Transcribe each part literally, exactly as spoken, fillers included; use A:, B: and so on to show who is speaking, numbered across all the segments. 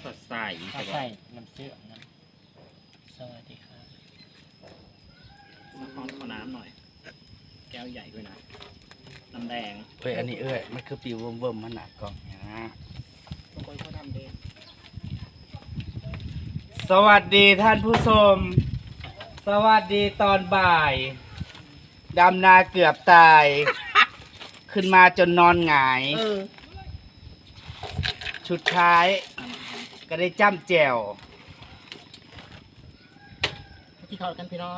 A: สดใส
B: เอาใส่น้ำเชื่อมน้ำสวัสดีครับ
A: มาคอนขอน้ำหน่อยแก้วใหญ่ด้วยนะน้ำแดง
C: เฮ้ยอันนี้เอ้ยมันคือปิวเบิ่มๆมันหนักกล่องเนี่ยนะ
A: บางคนเขาทำเอง
C: สวัสดีท่านผู้ชมสวัสดีตอนบ่ายดำนาเกือบตาย ขึ้นมาจนนอนหงายชุดท้ายก็ได้จ้ำแจ่ว
A: ที่เขากันพี่น้อง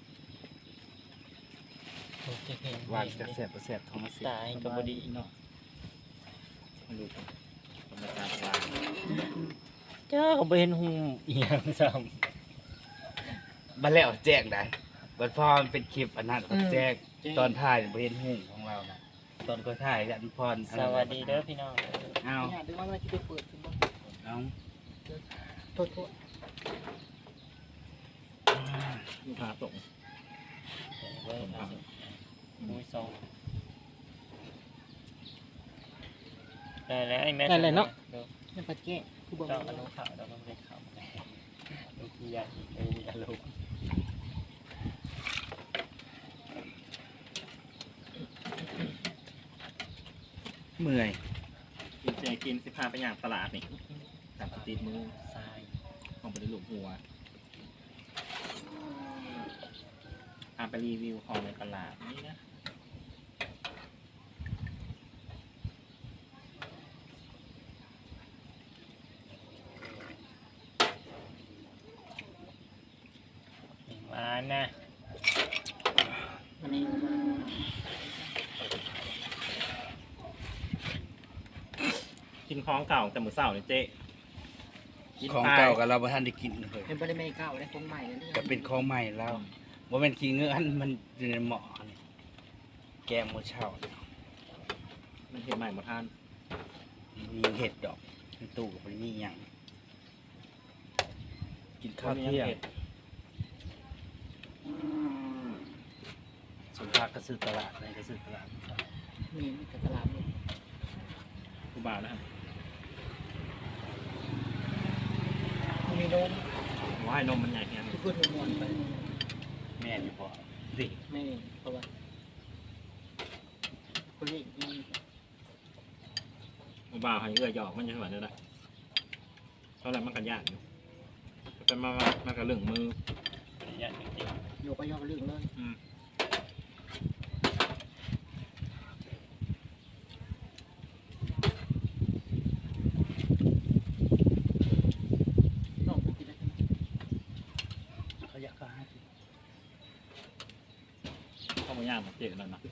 B: โอเคเห็น
C: วางจะเสียบเสียบท้องมาเสีย
B: ตายกับบดีเนาะ
A: มาดูกันธรรมชาติวาง
B: เจ้าเขาไปเห็นหูเอียงซ้
C: บันแล้วแจ้งได้บัดพอมันเป็นคลิปอันนั้นก็แจ้งตอนถ่ายบ่เห็นหุ่งของเรานะตอนก็ถ่ายยันพร
B: ำสวัสดีเด้อพี่น้อง
C: เอา
A: เนี่ยดูว่ามันจะไปเปิดคุณบ้าง
C: เอา
A: โทษโทษลูกค้าส่ง
B: เว้ยครับมุ้ยซองได้แล้วไอ้แม่ได้เนาะ
A: นี่ปัดแก้คือบอก
B: เจ้าอารมณ์ขาวเราต้องได้ขาวลูกที่ยาอีกไอ้อารมณ์
C: เมื่อย
A: กินเจกินสิพาไปอย่างตลาดนี่ตัดติดมือ
B: ทราย
A: ของไปได้หลุมหัวพาไปรีวิวของในตลาดนี่นะ
B: มานะ
A: วันนี้กินของเก่าแต่มือเศร้าเนี่ยเจ๊
C: ของเก่ากับเราบ่ทันได้กินเลย
A: เป็นบริเมเก่าได้ของใหม่เลย
C: ก็เป็นของใหม่แล้วบ่แม่นขี้เงื้ออันมันอยู่ในหม้อนี่แกงมื้อเช้า
A: มันเห็นใหม่หมดท่าน
C: มีเห็ดดอกในตู้ก็บ่ได้มีหยังกินข้าวเที่ยงสุภาพก็ซื้อตลาดไหนก็ซื้อตลาด
A: มีกับตลาดเลยกูบ่าวนะครับมีนมว่ายนมมันใหญ่แค่ไหนพูดหัวมวนไป
C: แม่นอยู่พอสิ
A: ไม่เพราะว่าคนนี้กูบ่าวให้เอื้อหยอกมันจะเหมือนอะไรเท่าไรมันกันยากอยู่เป็นมามากับเรื่องมือ
B: อยากจริง
A: โยกไปยอกเรื่องเลยน้องกินได้ไหม
C: เขาอยากก็ให้กิน
A: เข้ามาย่างมาเจ๊กันแล้วนะ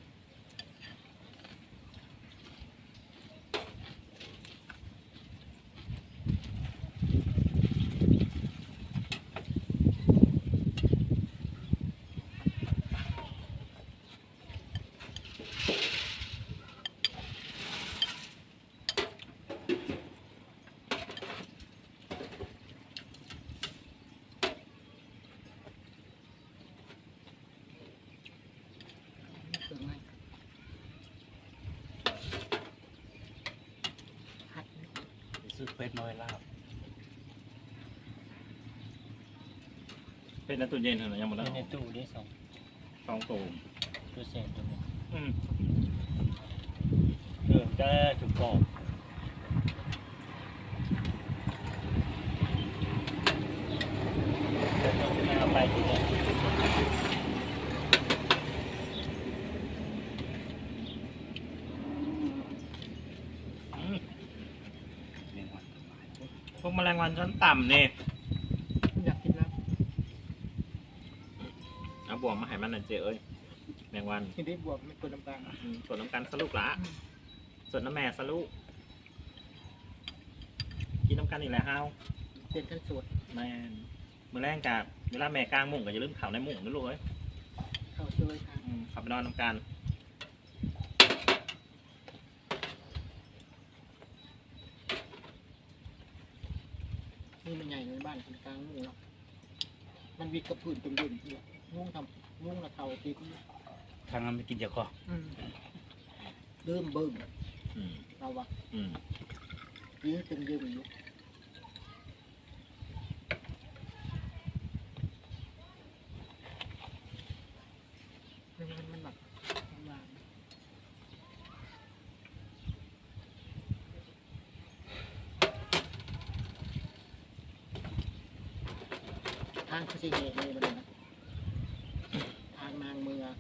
C: ซื้อเป็ดน้อยลาบ
A: เป็นน้ำตู้เย็นเหรอยังหมด
B: ๆ
A: แล้ว
B: ในตู้ได้สอง
A: สองโต
B: ตัวเศษตัวนึง
A: อืม
B: เออจะถูกกรอบจะต้องเอาไปทีเดียว
C: เลี้ยงวัน
A: พวกแมลงวันชั้นต่ำเนี่ยอยากกินแล้วเอาบวกมาให้มันหน่อยเจ๊เอ้ยแมงวัน
D: กินได้บวกไม่กดน้ำตาล
A: อืมส่วนน้ำกันสลูกละส่วนน้ำแม่สลูกกินน้ำกันอีกแล้วฮาว
D: เป็นขั้นสูตร
A: แม่นมื่อแรกกับเวลาแม่กลางมุ้งก็อย่าลืมเข่าในมุ้งนะลูกเอ้ย
D: เข้าช่วยค่ะ
A: อืมขับไปนอนน้ำกัน
D: นี่มันใหญ่ในบ้านเป็นกลางมุ้งเนาะมันวิดกระพื้นจมยุ่นเนี่ยมุ้งทำมุ้งละเท่าตีกู
C: ทางนั้นไม่กินเจ้าของ
D: เริ่มเบิ่ม
A: อืม
D: เราวะ
A: อืม
D: ยิ่งตึงยืมอยู่ทางคือสิเหตุเลยมันนะทางนางเมือง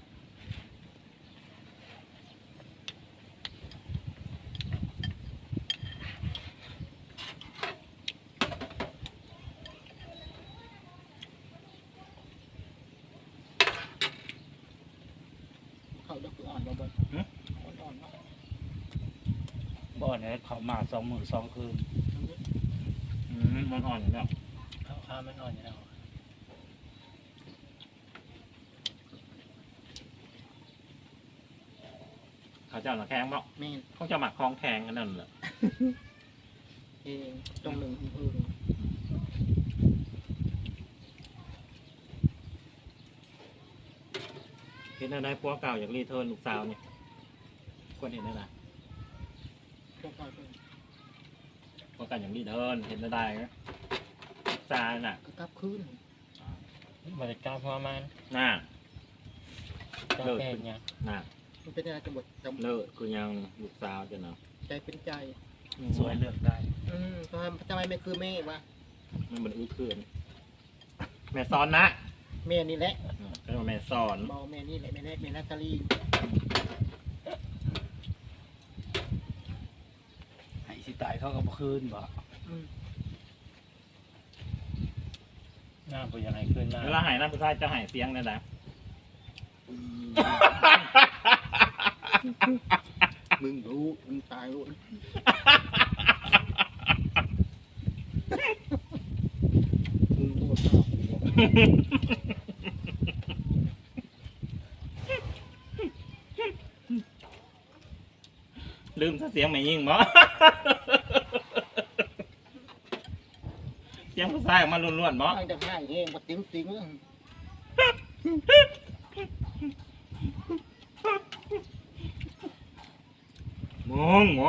D: เขาจะคืออ่อนบ่บ่อ่อนๆเนาะ
C: บ่อนเนี่ยเขามาสองหมื่นสองคืน
A: อืมมันอ่อนอยู่แล้ว
B: ข้าวข้าวมันอ่อนอยู่แล้ว
A: เขาเจ้าหน้าแข็งบ่
D: แม่น
A: เขาจะหมักคลองแข็งกันนั่นแหละ
D: เองตรงหนึ่งอื่น
A: เห็นอะไรพวกเก่าอยากรีเทิร์นลูกสาวเนี่ยควรเห็นได้ไหม
D: พวกเราเป็น
A: พวกกันอย่างรีเทิร์นเห็นได้ไหมลูกสาวน่ะ
D: ก็กลับคืน
B: บริการพอมัน
A: น่า
B: กา
A: เลิศ
B: แฟเนี่ย
A: น่า
D: มันเป็นอะไรจะหมดจำ
A: เลิศกูยังลูกสาวจะเนาะ
D: ใจเป็นใจ
C: สวยเลือกได้
D: อืมทำไมทำไมไม่คือแม่วะ
A: มันเหมือนอื้อคืนแม่ซ้อนนะ
D: แม่นี่แหละ
A: อืมก็เรียกว่าแม่ซ้อน
D: บอกแม่นี่แหละแม่แม่แม่นาตาลี
C: ให้สิตายเขาก็บ่คืนบ่
D: อืม
B: หน้าผู้ยังไงขึ้นหน้า
A: เวลาหายน้ำผู้ชายจะหายเสียงเลยนะ
D: มึงรู้มึงตายรู้มึงตัวเศร้า
A: ลืมถ้าเสียงไม่ยิ่งบ่ เสียงผู้ชายออกมาล้วนๆบ่
D: ทางจะให้เองมาติ้งติ้ง
A: มองมอง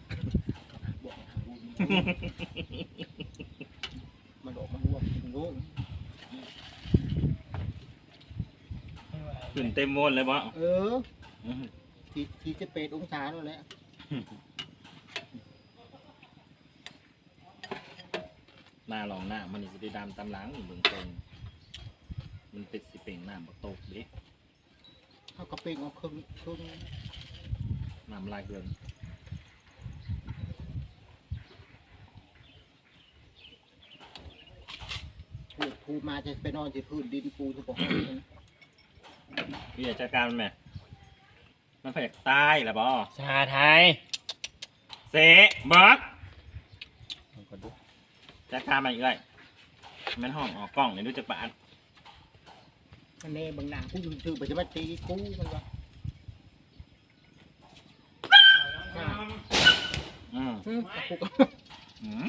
D: มันออกมันรวมงง
A: ขึ้นเต็มโมนเลยบ่
D: เออทีทีจะเป็ดองศาแล้วแหละ
A: หน้าลองหน้ามันนี่สิได้ดำตำหลังอยู่เบื้องต้นมันเป็นสิเป็นน้ำบักตกเด้
D: เขากระเป็งเอาครึ่งครึ่ง
A: น้ำลายเกิน
D: พูดพูดมาจะไปนอนที่พื้นดินปูทุกคน
A: พี่อยากจัดการมันไหมมันพยากตายแหละบ่
B: ชาไทย
A: เสะเบิร์ก
B: มันก็ดู
A: จัดการมันอีกเลยมันห้องออกกล้องเลยดูจักบาท
D: อันนี้บางหนากูอยู่ถือไปจะมาตีกูมันวะ
A: อืม
D: อืมกูก็
A: อืม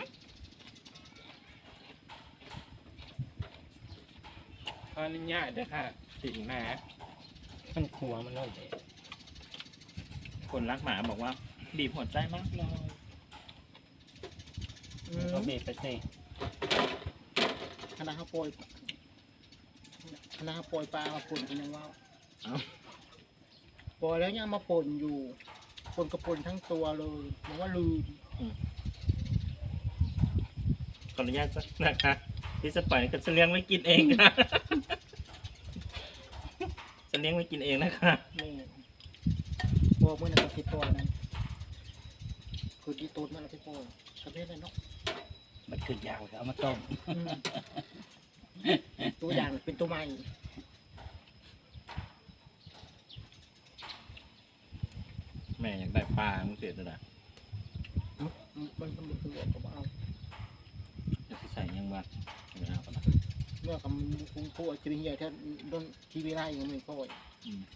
B: ขออนุญาตด้วยค่ะสิ่งแม่มันขวมันเลย
A: คนรักหมาบอกว่าบีบหัวใจมากเลย
D: อืม
B: เขาเบรกไปสิ
D: คณะเขาโปรยคณะเขาโปรยปลามาป่นกันยังว่า
A: เอ้า
D: ปล่อยแล้วยังมาป่นอยู่ป่นกระป่นทั้งตัวเลยมันว่าลืม
A: ขออนุญาตสักนะคะที่จะปล่อยก็จะเลี้ยงไว้กินเองค่ะ จะเลี้ยงไว้กินเองนะคะ
D: แม่พอเมื่อนั้นก็ติดตัวนั้นคือที่ตูดมันเราไปปล่อยประเภทนั้นเนาะ
C: มันคือยาวเอามาต้ม
D: อืมตัวอย่างเป็นตัวใหม่
A: แม่อยากได้ปลามึงเสียเลยนะ
D: มันมันมันคือบอกว่าเอา
A: จะใส่ยังบ้างไม่เอาก็ได้
D: เมื่อคำคุ้งพูดจะเป็นใหญ่ถ้าโดนทีวีไล่ยังไม่ค่อย
A: อืม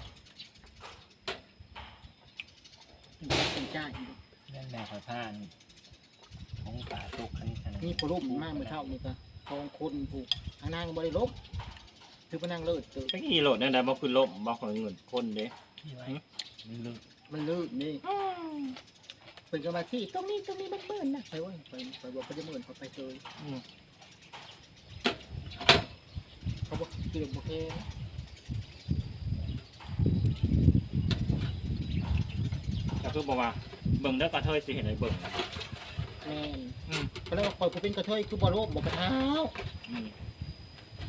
D: เป็นใจ
B: เล่นแม่ขอท่านของป่าตุกขันขัน
D: นี่พอรูปมากเมื่อเช้านี่ก็ทองคนผูกทางนางบริลบคือพนังเลิศเกิด
A: ก็ขี่โหลดได้แล้วบอกคือลบบอกของเงินคนเด้
B: ที่ไว้มันลึก
D: มันเลิศนี่เป็นกรรมาที่ตรงนี้ตรงนี้มันเบิ่นนะไปว่าไปไปบอกเขาจะเบิ่นเขาไปเลย
A: อืม
D: เขาบอกเกี่ยวโอเค
A: ก็คือบอกว่าเบิ่งได้กระเทยสิเห็นไอ้เบิ่ง
D: แม่น
A: อืม
D: เขาเรียกว่าคอยผู้เป็นกระเทยคือบอลโลกบอกกระเท้า
A: อืม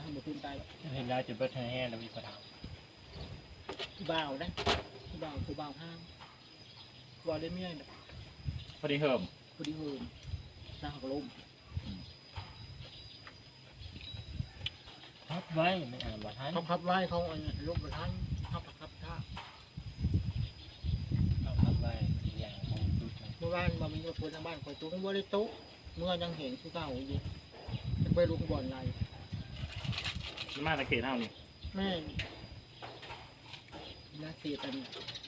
D: บุตุนตาย
B: เห็นแล้วจุดเบิร์ดแห้งแล้วมีกระถาง
D: ผู้บ่าวนะผู้บ่าวผู้บ่าวห้างวอลเลเมียน
A: พอดีเฮิม
D: พอดีเฮิมหน้าหักลม
B: พับไว้ไม่อ่านบัตรทัน
D: เขาพับไว้เขาอันลบกระทันพับพับท่า
B: เอาพับไว้อย่างของจุด
D: เมื่อวานมามีคนทางบ้านคอยตู้ว่าได้โต๊ะเมื่อยังเห็นคือเก่าอยู่จะไปลุกบอลอะไร
A: มาตะเกียบเท่านี่
D: แม่น่าเสียตัน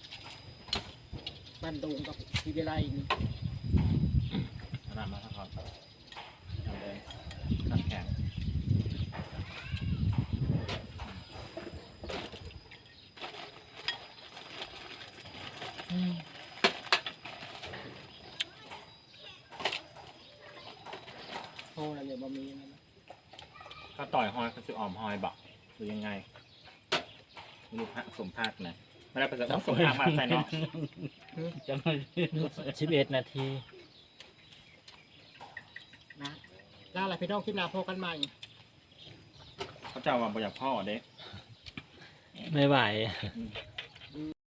D: บ้านดงกับทีเวไลนี่
A: ขนาดมาทั้งคอนทำเลยขัดแข็ง
D: โอ้อะไรบะมีนะ
A: ก็ต่อยหอยก็ซื้อออมหอยบอกหรือยังไงลูกพระสมภาคนะไม่ได้ประสบสมภาคมาใส่เนาะ
C: จะมา
B: สิบเอ็ดนาที
D: นะล่าอะไรพี่น้องคลิปหน้าพบกันใหม่
A: เขาจะว่าบอยากพ่อเด้
B: ไม่ไหว
A: อืม